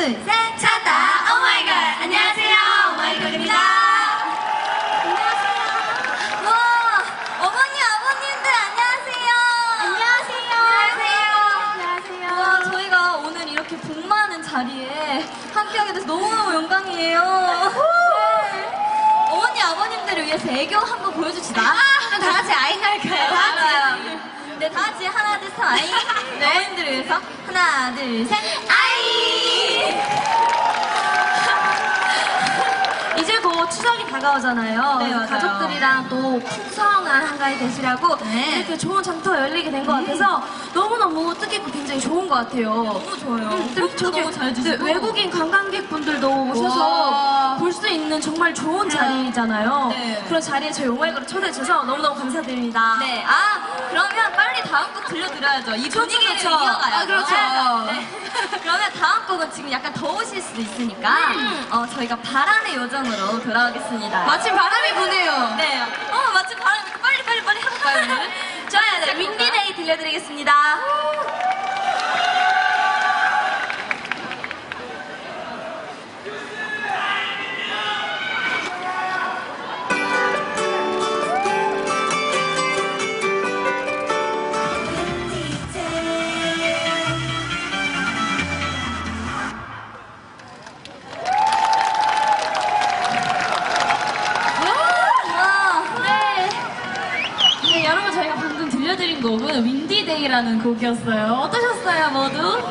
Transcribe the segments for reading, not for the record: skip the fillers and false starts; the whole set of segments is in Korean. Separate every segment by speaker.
Speaker 1: 셋! 찾다 오마이걸! 안녕하세요, 오마이걸입니다. 안녕하세요. 와, 어머니, 아버님들 안녕하세요. 안녕하세요. 와, 저희가 오늘 이렇게 복 많은 자리에 함께하게 돼서 너무너무 영광이에요. 어머니, 아버님들을 위해서 애교 한번 보여줍시다. 그럼 다 같이 아잉 할까요? 네, 다 같이 하나, 둘, 셋, 아잉. 어머님들을 위해서 하나, 둘, 셋, 아잉! 이제 곧 추석이 다가오잖아요.
Speaker 2: 네, 맞아요.
Speaker 1: 가족들이랑 또 풍성한 한가위 되시라고 이렇게 좋은 장터가 열리게 된 것 같아서 너무너무 뜻깊고 굉장히 좋은 것 같아요.
Speaker 2: 너무 좋아요.
Speaker 1: 너무 잘 주시고 외국인 관광객분들도 오셔서 볼 수 있는 정말 좋은 자리잖아요.
Speaker 2: 네.
Speaker 1: 그런 자리에 저희 오마이걸을 초대해 주셔서 너무너무 감사드립니다.
Speaker 2: 네, 그러면 빨리 다음 곡 들려드려야죠. 이 분위기를
Speaker 1: 그렇죠.
Speaker 2: 이어가야죠.
Speaker 1: 그렇죠.
Speaker 2: 네. 그러면 다음 곡은 지금 약간 더우실 수도 있으니까 저희가 바람의 요정으로 돌아오겠습니다.
Speaker 1: 마침 바람이 부네요.
Speaker 2: 네, 마침 바람이 빨리 하고 가요, 오늘.
Speaker 1: 좋아요. 네, 윈디데이 들려드리겠습니다.
Speaker 3: 네, 여러분 저희가 방금 들려드린 곡은 윈디데이라는 곡이었어요. 어떠셨어요, 모두?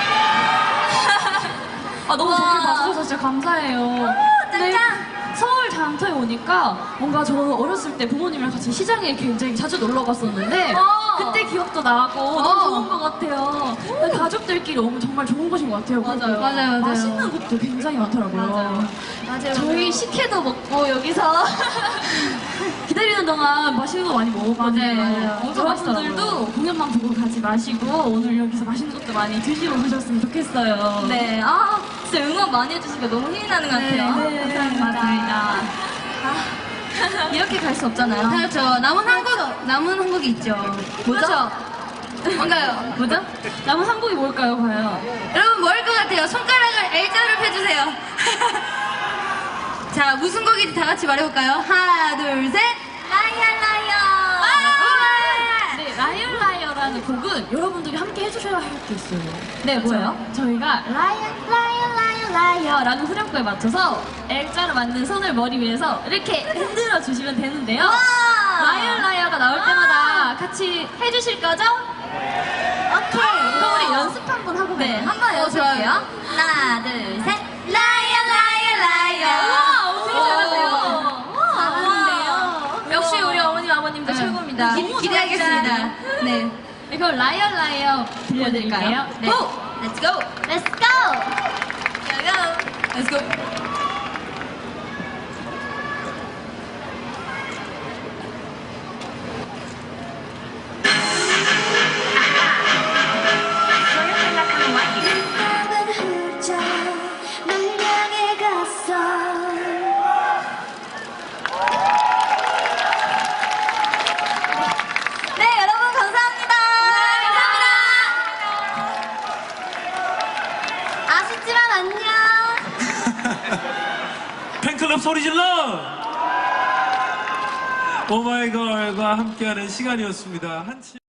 Speaker 3: 너무 좋게 봐주셔서 진짜 감사해요. 네, 서울 장터에 오니까 뭔가 저는 어렸을 때 부모님이랑 같이 시장에 굉장히 자주 놀러 갔었는데 그때 기억도 나고 너무 좋은 것 같아요. 가족들끼리 오면 정말 좋은 곳인 것 같아요.
Speaker 1: 맞아요.
Speaker 3: 맛있는 곳도 굉장히 많더라고요.
Speaker 1: 맞아요.
Speaker 3: 저희 식혜도 먹고 여기서 기다리는 동안 맛있는 거 많이 먹었거든요.
Speaker 1: 맞아요.
Speaker 2: 엄청
Speaker 3: 여러분들도 공연만 보고 가지 마시고 오늘 여기서 맛있는 것도 많이 드시고 가셨으면 좋겠어요.
Speaker 2: 네, 진짜 응원 많이 해주시니까 너무 힘이 나는 것 같아요.
Speaker 3: 네,
Speaker 2: 감사합니다. 이렇게 갈 수 없잖아요.
Speaker 1: 그렇죠. 남은 한 곡이 있죠.
Speaker 2: 뭐죠?
Speaker 1: 뭔가요?
Speaker 3: 뭐죠? 남은 한 곡이 뭘까요, 과연?
Speaker 1: 여러분 뭐일 것 같아요? 손가락을 L자로 펴주세요. 자, 무슨 곡인지 다 같이 말해볼까요? 하나, 둘, 셋.
Speaker 3: 네, 라이언 라이어라는 곡은 여러분들이 함께 해주셔야 할 게 있어요.
Speaker 2: 네, 뭐예요?
Speaker 3: 저희가 라이어라는 후렴구에 맞춰서 L자로 만든 손을 머리 위에서 이렇게 흔들어 주시면 되는데요. 라이언 라이어가 나올 때마다 같이 해주실 거죠? 오케이. 그럼 우리 연습 한번 하고
Speaker 2: 네,
Speaker 3: 가요.
Speaker 2: 한번 해볼게요. 하나, 둘, 셋. 라이어.
Speaker 3: 와, 엄청 잘하세요.
Speaker 2: 잘하는데요.
Speaker 1: 역시 우리 어머님, 아버님도 최고입니다. 기대하겠습니다. 네.
Speaker 3: 네, 그럼 라이언 라이어 들려드릴까요?
Speaker 2: 네.
Speaker 3: 고!
Speaker 2: Let's go.
Speaker 3: Let's go!
Speaker 2: Let's go. 네, 여러분 감사합니다. 아쉽지만 안녕.
Speaker 4: 팬클럽 소리 질러! 오마이걸과 함께하는 시간이었습니다.